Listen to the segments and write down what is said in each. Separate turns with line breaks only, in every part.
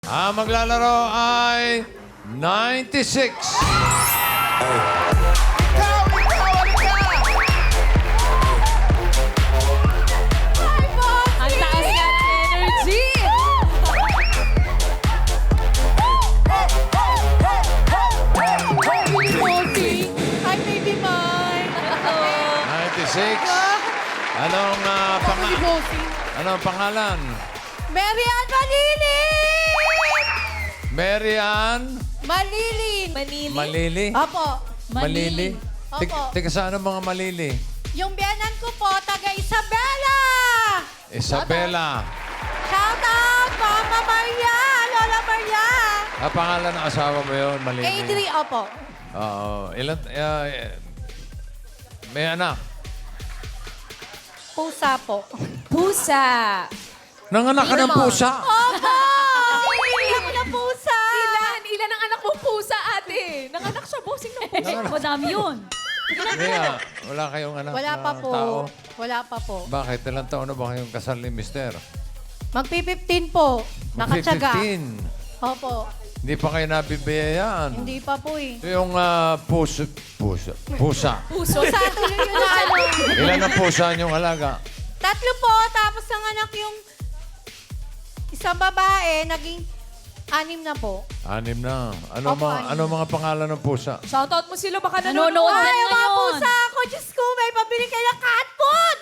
Ang maglalaro ay 96.
Ang taas nga ng energy!
Hi, baby mine.
96. Anong pangalan?
Mary Ann Malilin!
Mary Ann
Malilin.
Manili.
Malili?
Opo.
Malili?
Opo.
Teka, saan ang mga Malili?
Yung biyanan ko po, taga Isabela!
Isabela.
Shout out, Mama Maria, Lola Maria.
Ang pangalan ng asawa mo yun, Malili?
Adri, opo.
Oo. May anak.
Pusa po.
Pusa.
Nanganak ka ng pusa.
Opo! Hindi ako na pusa.
Ilan ang anak mo pusa, ate? Nanganak siya, bossing ng pusa. Madami yun.
Kaya, wala kayong anak
Wala
na
pa po.
tao.
Wala pa po.
Bakit? Ilang taon na ba kayong kasal ni Mister?
Magpi-15 po. Nakatsaga.
15.
Opo.
Hindi pa kayo nabibiyayaan.
Hindi pa po eh.
Yung pusa.
Puso.
Pusa, tuloy yun na ano.
Ilan ang pusa niyong alaga?
3 po, tapos ang anak yung isang babae, naging 6 na po.
6 na. Ano,
Opo,
mga,
6
ano mga pangalan ng pusa?
Shoutout mo sila, baka
Nanonood
nanonood.
yan
Ay, ang mga
ngayon.
pusa ako, Diyos ko, may pabili kayo ng cat food!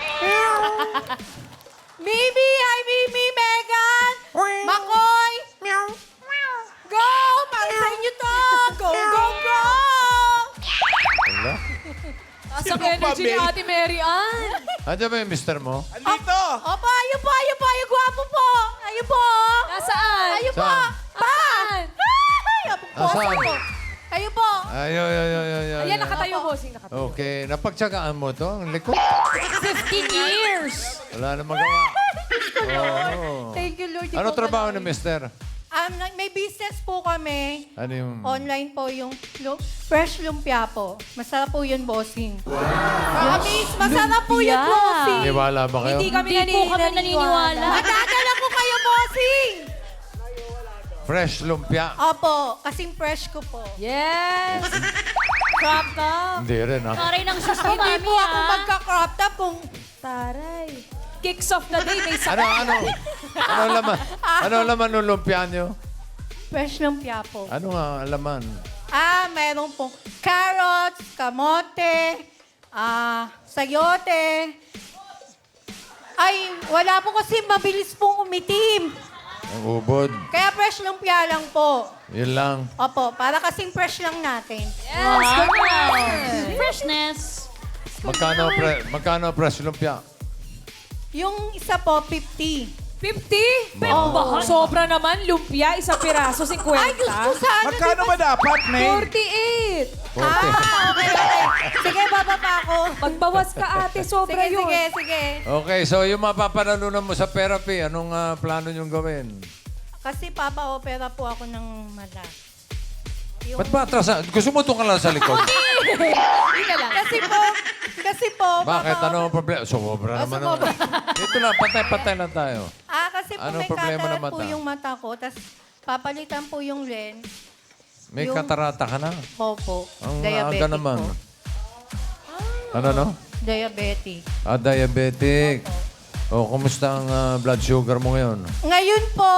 Mimi, hi Mimi, Megan, Makoy, go! Para sa inyo to! Go, go, go!
Wala.
Taas ang energy ni Ate Mary Ann.
Andiyan ba yung mister mo?
Andito!
Opo, ayun po, ayun gwapo po! Ayun po!
Nasaan?
Ayun po!
Saan?
Pa!
Saan?
Ay, ang poso
Nasaan?
po! Ayun po!
Ay.
Ayan, nakatayo, bossing. Nakatayo.
Okay. Napagtsagaan mo to? Ang likod.
15 years.
Wala na magawa. Oo.
Thank you, Lord. Di
Ano
po
trabaho ni
malawi.
mister?
May business po kami.
Ano yung...
Online po yung fresh lumpia po. Masarap po yun, bossing. Promise, masarap po yun,
Lumpia.
bossing.
Niwala ba kayo?
Hindi kami
Hindi po kami naniniwala.
Madadala ko kayo, bossing.
Fresh lumpia.
Opo, kasing fresh ko po.
Yes! Crop top.
Hindi rin, ha?
Taray ng sus ko,
Hindi
mami,
po ako
ah.
magka-crop top kung...
Taray. Kicks off na day, may
Ano,
sakit.
ano laman? Ano laman ng lumpia nyo?
Fresh lumpia po.
Ano nga ang laman?
Meron pong carrots, kamote, sayote. Ay, wala po kasi mabilis pong umitim.
Ang ubod.
Kaya fresh lumpia lang po.
Yun lang.
Opo, para kasing fresh lang natin.
Yes, good
Wow.
one.
Freshness.
Magkano fresh lumpia?
Yung isa po, 50.
50?
Mahal.
Sobra naman, lumpia, isang piraso, 50.
Ay, gusto sana.
Magkano ba dapat, May?
48.
40.
Okay. Sige, bababa ako.
Magbawas ka, ate, sobra
Sige,
yun.
sige.
Okay, so yung mapapanalunan mo sa therapy, anong plano nyong gawin?
Kasi papa-opera po ako ng mata. Yung...
Ba't ba atrasan? Gusto mo itong ka lang sa likod?
Kasi po,
Bakit?
papa-opera-
Ano ang problema? Sobra naman.
sumobra.
Dito lang, patay-patay lang tayo.
Kasi po
Anong
may
problema ng
cataract po
mata?
yung mata ko, tapos papalitan po yung lens.
May
Yung-
katarata ka na.
Opo,
Ang
diabetic
aga naman.
po.
Ano, no?
Diabetic.
Diabetic. O, kumusta ang blood sugar mo ngayon?
Ngayon po,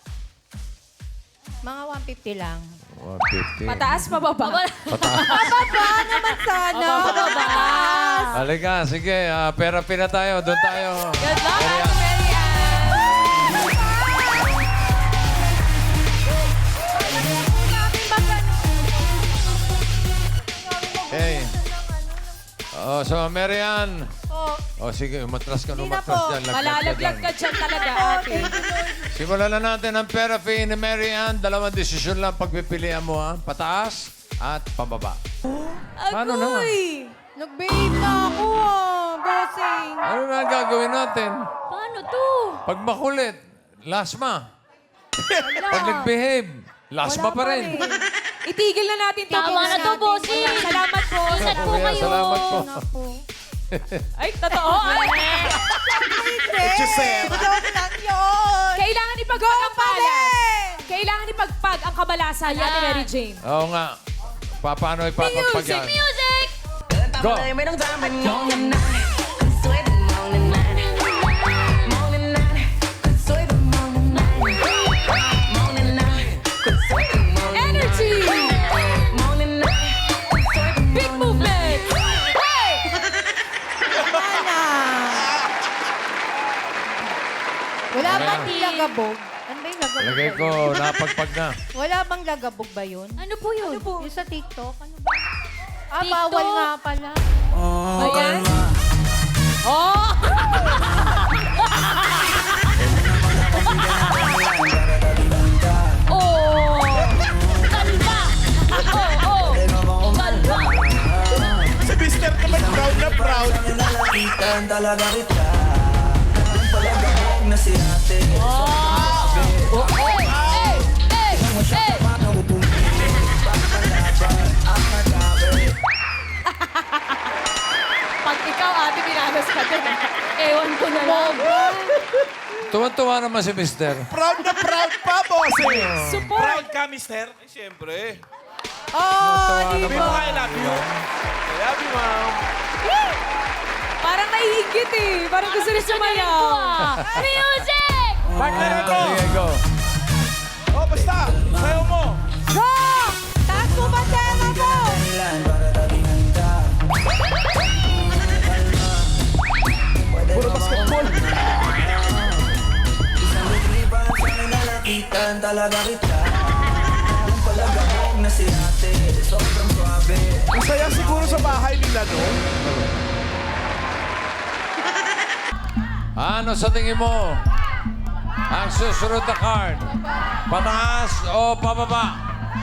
mga 150 lang.
150.
Pataas, pababa.
Pababa naman sana. Pataas.
Halika, sige. Therapy na tayo. Doon tayo.
Good luck,
Ayan.
Ate Mary Ann.
Okay. So, Marian.
Oh,
Sige, umatras ka.
Hindi na
Umatras
po.
dyan. Laglag
Malalaglag ka
dyan.
dyan talaga,
oh,
ate.
thank you, Lord.
Simulan na natin ang therapy ni Marian. Dalawang desisyon lang pagpipilian mo, ha? Pataas at pababa. Paano na?
Agoy!
Nag-behave na ako, bossing.
Ano na ang gagawin natin?
Paano to?
Pag makulit, lasma. Pag nag-behave, lasma pa rin.
Itigil na natin to.
Tama na to, bossing.
Salamat po.
Ingat po
Kuya,
kayo.
salamat po.
Na po.
Ay, totoo. Ay.
Hindi.
Joseph.
Joke lang yun.
Kailangan ipagpagampalan. ipagpag ang kamalasan, Ate
Ayan.
Mary Jane.
Oo nga. Paano ipapagpag yan?
Music!
Go!
Energy! Big movement! Hey!
Wala
Ayan.
bang lagabog? Ano ba yung lagabog?
Lagay ko, napagpag na.
Wala bang lagabog ba yun?
Ano po yun?
Yung sa TikTok? Ano ba? Ah,
TikTok?
bawal nga pala.
Ayan. Oh!
Oh! Kalma! Oh! Kalma!
Si Mr. naman proud na proud.
Itan talaga kita. Ang palagabog na si ate.
Hey! Hey! Hey!
Pag ikaw, ate, binagas ka din.
Ewan ko na lang.
Tuwan-tuwa naman si Mister.
Proud na proud pa, bossing.
Support!
Proud ka, mister? Eh, siyempre.
Oh, di
Sabi
ba?
mo nga, I love you. I love you, ma'am.
Parang naiigit eh. Parang gusto rin sumayaw.
Music!
Partner ako.
Sige, go.
Oh, basta. Sayo mo.
Go! Taas mo ba tema mo?
Dahilan para tabingan ka.
Puro basketball.
Isang litripan sa nilalakitan talaga kita. Ang palagabog na si ate. Sobrang suabe.
Ang saya siguro sa bahay nila, no?
Ano sa tingin mo? Ang susunod na card. Pataas o pababa?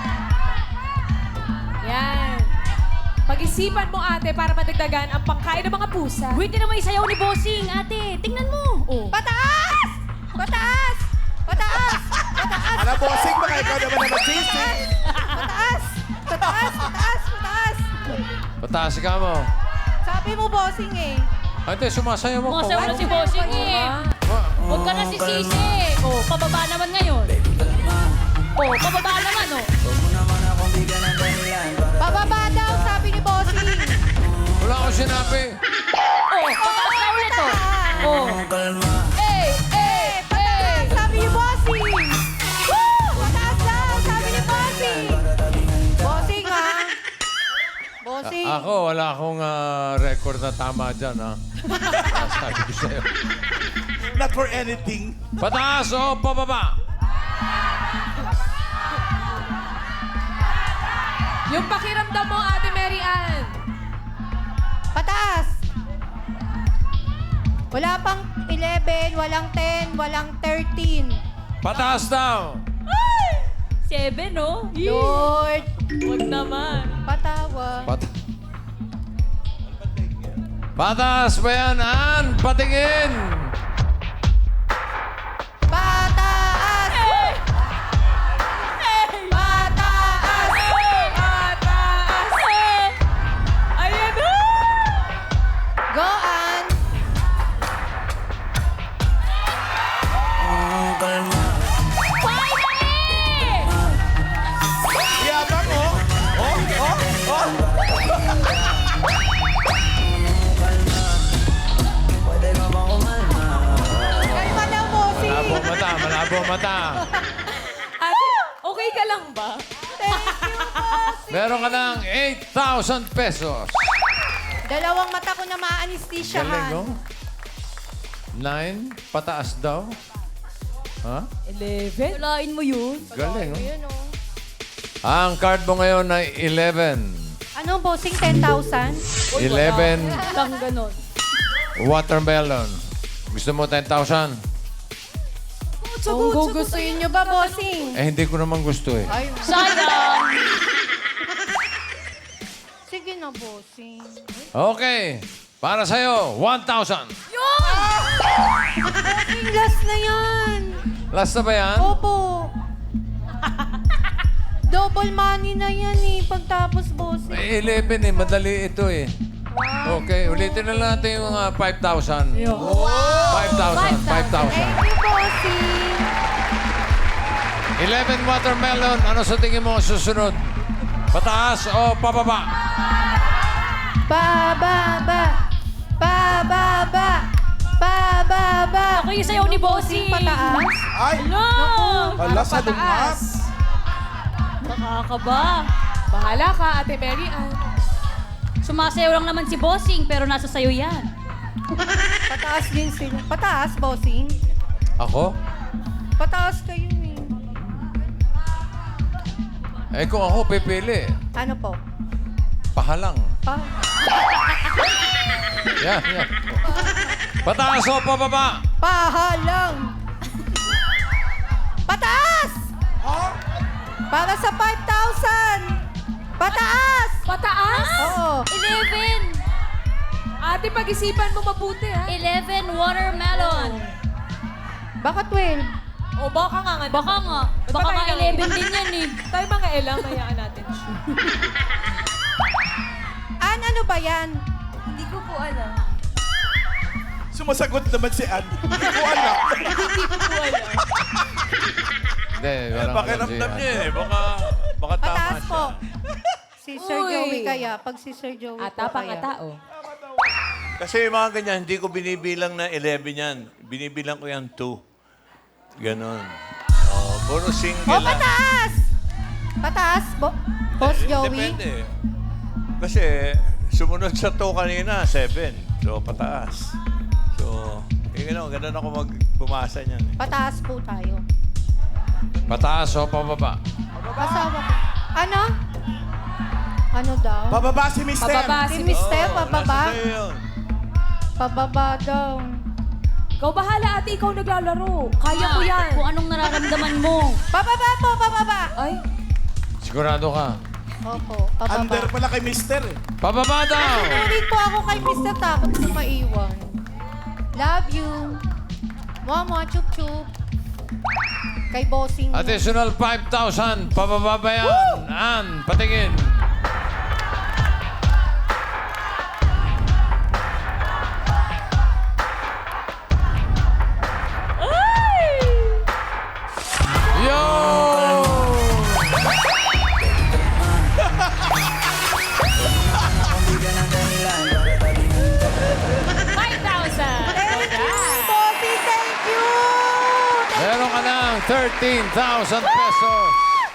Yan. Pag-isipan mo, ate, para madagdagan ang pangkain ng mga pusa.
Wait na naman yung sayaw ni Bossing, ate. Tingnan mo. Oh.
Pataas! Pataas! Pataas! Pataas!
Alam, bossing, baka ikaw naman na magsisi.
Pataas! Pataas! Pataas! Pataas!
Pataas ka mo.
Sabi mo, bossing eh.
Ate, sumasayaw mo.
Masayaw na si Bossing eh. Huwag ka na sisisi. Oh, pababa naman ngayon. Oh, pababa naman oh.
Huwag mo naman akong bigyan ng dahilan para
Pababa daw, sabi ni bossing.
Wala akong sinabi.
Oh, pataas na ulit oh. Oh.
kalma.
Hey! Hey! Hey!
Sabi ni bossing. Woo! Pataas daw, sabi ni bossing. Bossing ah. Bossing.
Ako, wala akong record na tama dyan, ha? Sabi ko sa'yo.
Not for anything.
Pataas o pababa?
Yung pakiramdam mo, ate Mary Ann.
Pataas. Wala pang 11, walang 10, walang 13.
Pataas daw.
7 no?
Lord,
Huwag naman.
patawa.
Pataas ba yan, Ann? Patingin.
Pataas! Pataas!
Pataas! Ayan na!
Go, Ann!
Kalma.
Finally!
Yabang, oh. Oh.
Pwede ka ba kumalma?
Kalma na, bossing!
Malabo mata, malabo mata.
Ate, okay ka lang ba?
Meron ka ng 8,000 pesos.
Dalawang mata ko na
Galing,
maanistisyahan.
no? 9, pataas daw. Ha?
11?
Walain mo yun.
Galing, no?
Ayun, oh.
Ang card mo ngayon ay 11.
Ano, bossing? 10,000?
11
Lang ganon.
watermelon. Gusto mo 10,000?
Kung gugustuhin nyo ba, bossing?
Eh, hindi ko naman gusto eh.
Ay,
Sayang.
sige na, bossing.
Okay. Para sa'yo, 1,000.
Bossing, last na yan.
Last na ba yan?
Opo. Double money na yan eh, pagtapos, bossing.
Eh, 11 eh. Madali ito eh. Okay, ulitin na lang natin yung 5,000. 5,000, 5,000.
Thank you, bossing.
11 watermelon. Ano sa tingin mo ang susunod? Pataas o pababa?
Pababa. Pababa. Pababa.
Ako yung sayaw ni Bossing.
Pataas.
Ay!
No!
Ala, sa lungap.
Nakakaba.
Bahala ka, Ate Mary Ann.
Sumasayaw lang naman si Bossing, pero nasa sayo yan.
Pataas din sila. Pataas, bossing.
Ako?
Pataas kayo eh.
Eh kung ako pipili,
Ano po?
pahalang.
Pa
Yan, yan. Pataas o pababa?
Pahalang. Pataas! Para sa 5,000. Pataas!
Pataas?
Oo.
11.
Ate, pag-isipan mo mabuti, ha?
11 watermelon.
Baka 12.
O, baka nga nga.
Baka nga. Baka nga 11 din yan eh.
Tayo mga elang, hayaan natin siya.
Ano ba yan?
Hindi ko po alam.
Sumasagot naman si Ann. Hindi ko alam.
Hindi, walang
Pakiramdam
alam
niya
siya.
eh. Baka tama
Pataas
siya.
po. Si Sir
Uy.
Joey kaya. Pag si Sir Joey
Ata
po
pa
kaya.
nga tao.
Kasi yung mga ganyan, hindi ko binibilang na 11 yan. Binibilang ko yan 2. Ganon. Oh, puro single
Oh, pataas! Pataas, Boss Joey.
Depende. Kasi sumunod sa 2 kanina, 7. So, pataas. So, ganun ako pumasa niyan.
Pataas po tayo.
Pataas o pababa?
Kasama ko. Ano? Ano daw?
Pababa si Mister.
Pababa
Si
si
Mister,
Oo,
pababa?
nasa sa'yo yun.
Pababa daw.
Ikaw bahala, ate. Ikaw naglalaro. Kaya ko yan.
Kung anong nararamdaman mo.
Pababa po, pababa.
Ay,
Sigurado ka?
Opo, pababa.
Under pala kay Mister eh.
Pababa daw!
Tuloy po ako kay Mr. Takot sa maiwan. Love you. Mama, chup chup. Kay bossing.
Additional 5,000. Pababa ba yan? Ann, patingin. Yo!
5,000.
Bossing, thank you!
Meron ka ng 13,000 pesos.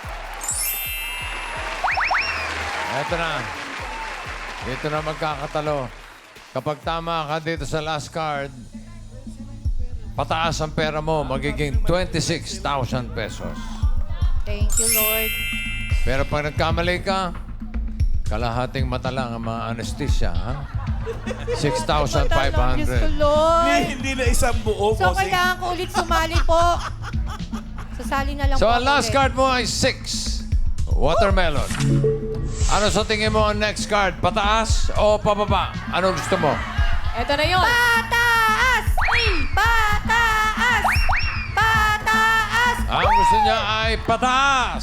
Eto na. Dito na magkakatalo. Kapag tama ka dito sa last card, pataas ang pera mo, magiging 26,000 pesos.
Thank you, Lord.
Pero pag nagkamali ka, kalahating mata lang ang mga anesthesia, ha?
Diyos ko,
6,500.
Lord.
Hindi na isang buo.
So,
bossing.
kailangan ko ulit sumali po. Sasali na lang
So,
po
ang
ako
last
ulit.
card mo ay 6. Watermelon. Ano sa tingin mo ang next card? Pataas o pababa? Anong gusto mo?
eto na yun.
Pataas! Pataas! Pataas!
Ang gusto niya ay pataas.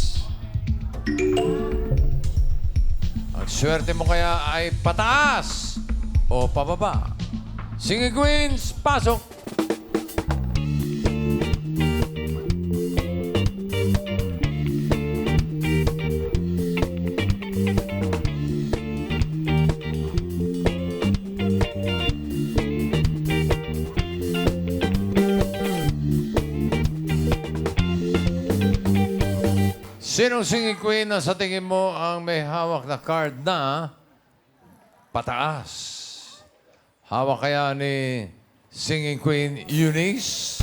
Ang swerte mo kaya ay pataas o pababa. Singing Queens, pasok! Sinong singing queen na sa tingin mo ang may hawak na card na pataas? Hawak kaya ni singing queen Eunice?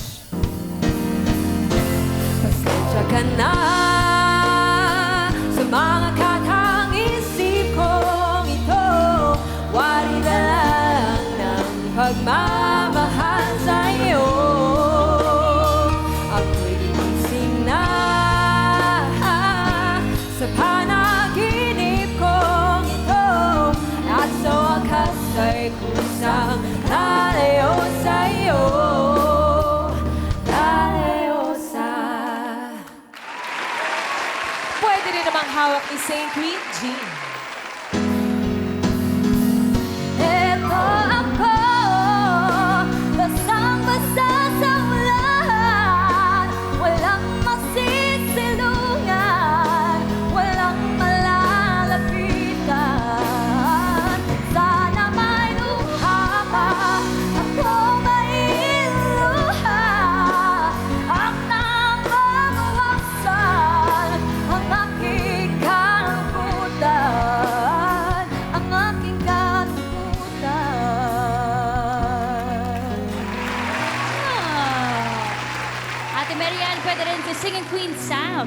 Pasensya ka na sa mga katang-isip kong ito. Wari na lang ng pagmamahal sa'yo. Ako'y gising na sa panaginip kong ito. At sa wakas ay kusang lalayo sa'yo.
Pwede rin namang hawak ni St. Queen Jean.
Eto ako, basang-basa sa ulan. Walang masira. Sam.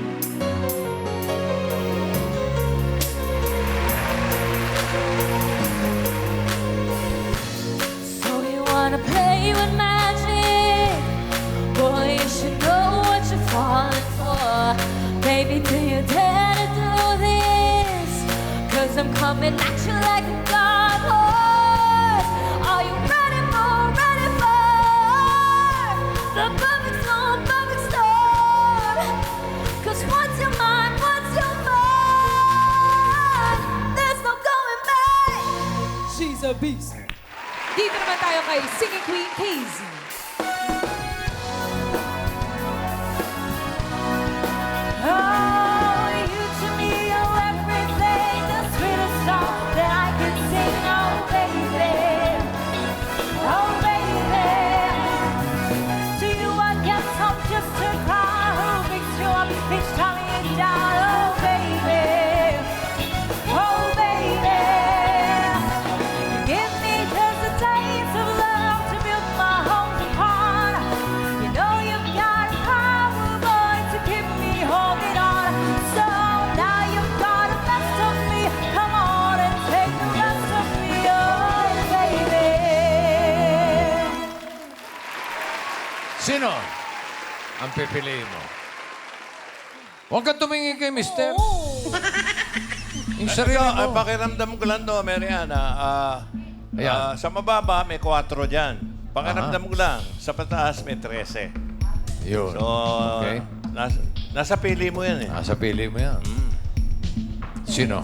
So you wanna play with magic? Boy, you should know what you're falling for. Baby, do you dare to do this? 'Cause I'm coming at you like a god horse. Are you ready for the perfect storm, perfect storm? 'Cause once you're mine, there's no going back.
She's a beast. Dito naman tayo kay Singing Queen Casey.
Oh, you to me are everything, the sweetest song that I can sing. Oh, baby. Oh, baby. To you, I guess I'm just a cry who makes you up each time you down. Oh, baby. Oh, baby. You give me just a taste of love to build my home upon. You know you've got power, boy, to keep me holding on. So now you've got the best of me. Come on and take the rest of me, oh, baby.
Sino ang pipiliin mo? Huwag kang tumingin kay mister. Yung sarili
Ito,
mo.
pakiramdam ko lang to, Mariana.
Ayan.
Sa mababa, may 4 dyan. Pakiramdam ko lang, sa pataas may 13.
Yun.
So,
Okay.
nasa pili mo yan eh.
Nasa pili mo yan. Sino?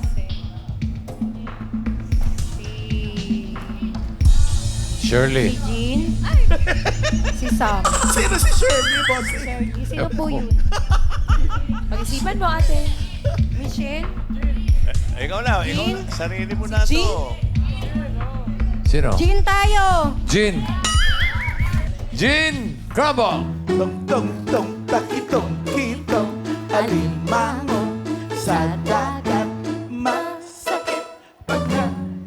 Shirley.
Jean? Si Sam.
Sino si Shirley, boss?
Sino po yun?
Pag-isipan mo, ate.
Michelle?
Ikaw na, sarili mo na
Jean?
to.
Sino?
Jean tayo!
Jean. Jean Crabo.
Tong, tong, tong, takitong, kitong, alimango, sa dagat, masakit pagka.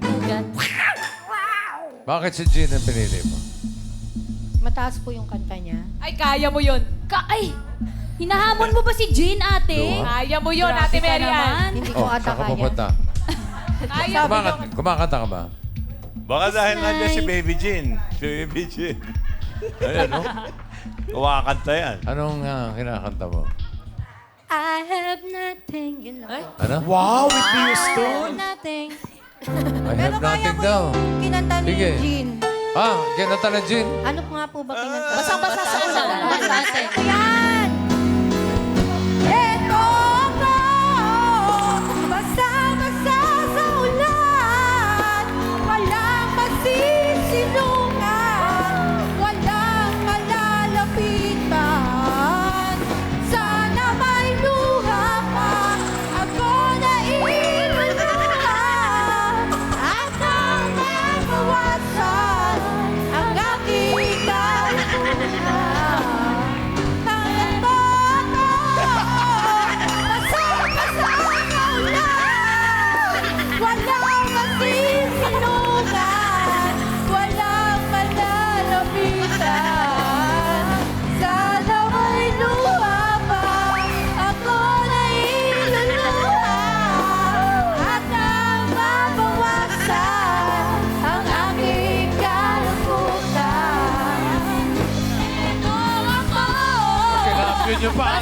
Bakit si Jean ang pinili mo?
Mataas po yung kanta niya.
Ay, kaya mo yun.
Ay! Hinahamon mo ba si Jean, ate?
Diba?
Kaya mo yun,
Grabe
ate
ka
Mary Ann.
naman.
Hindi ko ata
saan ka
kaya.
pupunta?
Kaya mo yun.
Kumakanta ka ba?
Baka dahil nandiyan si Baby Jean. Si Baby Jean. Ayan, no? Kumakanta yan.
Anong kinakanta mo?
I have nothing, yun lang.
Ano?
Wow, with
I
Houston.
have nothing.
I
Pero
have
kaya
nothing
ko
daw.
yung kinanta ni
Sige.
Jean.
Ah, kinanta na Jean.
Ano po nga po ba kinanta?
Basang-basa sa ulan.
Basta, ate.
Yan! Eto ako, basa-basa sa ulan, walang masisilungan, walang malalapitan. Sana may luha pa, ako na iluluhan, at ang mabawasan ang aking kaluluhan. Walang masisilungan, walang malalapitan. Sana may luha pa, ako na iluluhan, at ang mabawasan ang aking kalungkutan. Ito ako,
Kinapin niyo pa.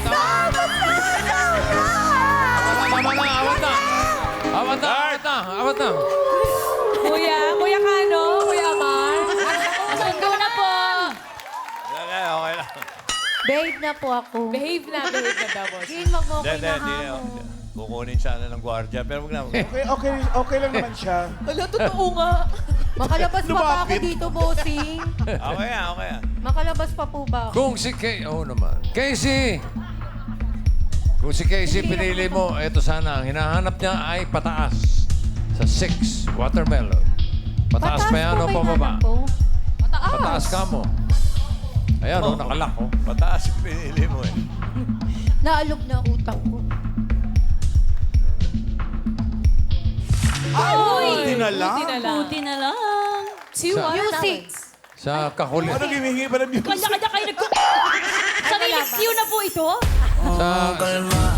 Tama na, awat na. Awat na, awat na, awat na.
Kuya Kano, Kuya Amar.
Sundo na po.
Okay, okay lang.
Babe na po ako.
Behave na daw, boss.
Jean, wag mo ko
Hindi.
inahamon.
Kukunin sana ng gwardiya. Pero wag na.
Okay lang naman siya.
Wala, totoo nga.
Makalabas pa ba ako
Lumapit.
dito, bossing?
Okay yan.
Makalabas pa po ba ako?
Kung si Casey, naman. Casey! Kung si Casey pinili mo, eto sana, ang hinahanap niya ay pataas. Sa 6, watermelon. Pataas pa yan o
po
pababa?
kailangan po.
Pataas ka mo. Ayan, oh, nakalak, oh.
Pataas yung pinili mo eh.
Naalog na utak ko.
Buti na lang.
Buti na lang.
Buti na lang.
Two
Sa-
Music!
Sa kakulit.
Ano hihingi pa ng music?
Kanya-kanya kayo nagko... Sarili cue na po ito?
Kalma.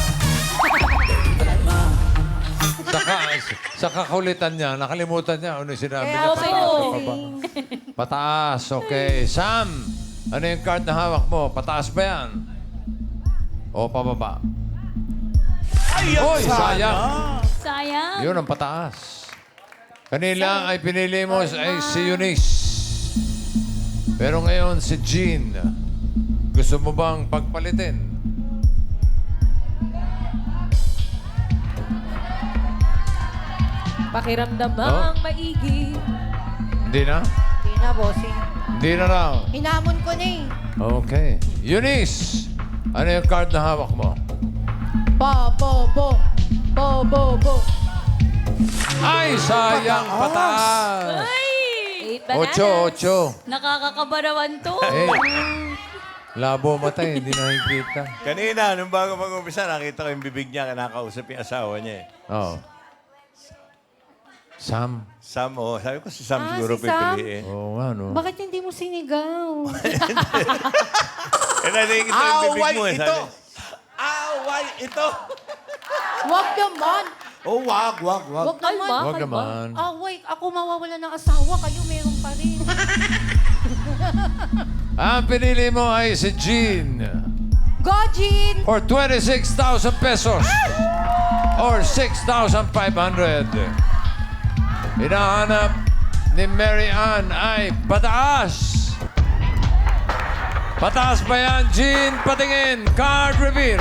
Sa kakulitan niya, nakalimutan niya ano yung sinabi niya.
Kaya
Pataas o
po.
pababa? Pataas, okay. Sam, ano yung card na hawak mo? Pataas ba yan? O pababa?
Ay,
Oy,
sana.
sayang.
Sayang.
Yun ang pataas. Kanila ay pinili mo ay si Eunice. Pero ngayon si Jean. Gusto mo bang pagpalitin?
Pakiramdam
Oh.
ang maigi.
Hindi na?
Hindi na, bossing.
Hindi na raw.
Hinamon ko na eh.
Okay. Eunice, ano yung card na hawak mo?
Bo.
Ay, sayang. Pataas.
Eight bananas.
Ocho.
Nakakakabarawan to.
Eh, labo mata eh. Hindi nakikita.
Kanina, nung bago mag-umpisa, nakita ko yung bibig niya, kinakausap yung asawa niya eh.
Oh. Sam.
Sam, oh, sabi ko si Sam
Ah,
siguro
si Sam?
pipiliin.
Oo nga, no?
Bakit hindi mo sinigaw?
Eh, nakikita yung bibig
Away
mo eh.
ito.
Sabi,
Away ito.
Wag naman.
Oh, wag.
Wag naman.
Kalma.
Huwag naman.
Wait. Ako mawawala ng asawa. Kayo meron pa rin.
Ang pinili mo ay si Jean.
Go, Jean!
For 26,000 pesos. Or 6,500. Hinahanap ni Mary Ann ay pataas. Pataas ba yan, Jean? Patingin. Card reveal.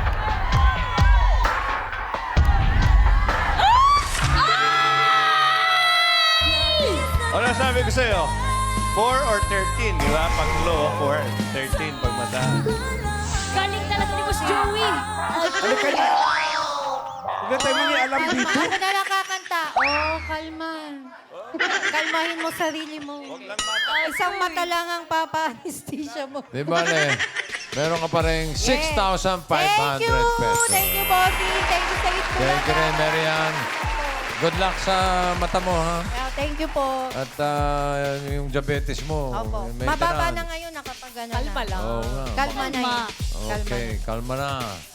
ano sabi ko sa'yo? 4 or 13, di ba? Pag low, 4. 13 pag mataas.
Galing talaga ni Boss Joey.
Ano kayo? Huwag tayo mga alam dito.
Ako na nakakanta. Oh, kalma. Kalmahin mo sarili mo. Isang mata lang ang papa-anesthesia mo.
Di ba, Le? Meron ka pa rin 6,500
Thank you!
pesos.
Thank you, Bossy. Thank you sa ito.
Thank you rin, Mary Ann. Good luck sa mata mo, ha?
Thank you po.
At yung diabetes mo.
Opo.
maintenance.
Mababa na ngayon, nakapagana na.
Kalma lang.
Oo nga.
Kalma na yun.
Okay, kalma na.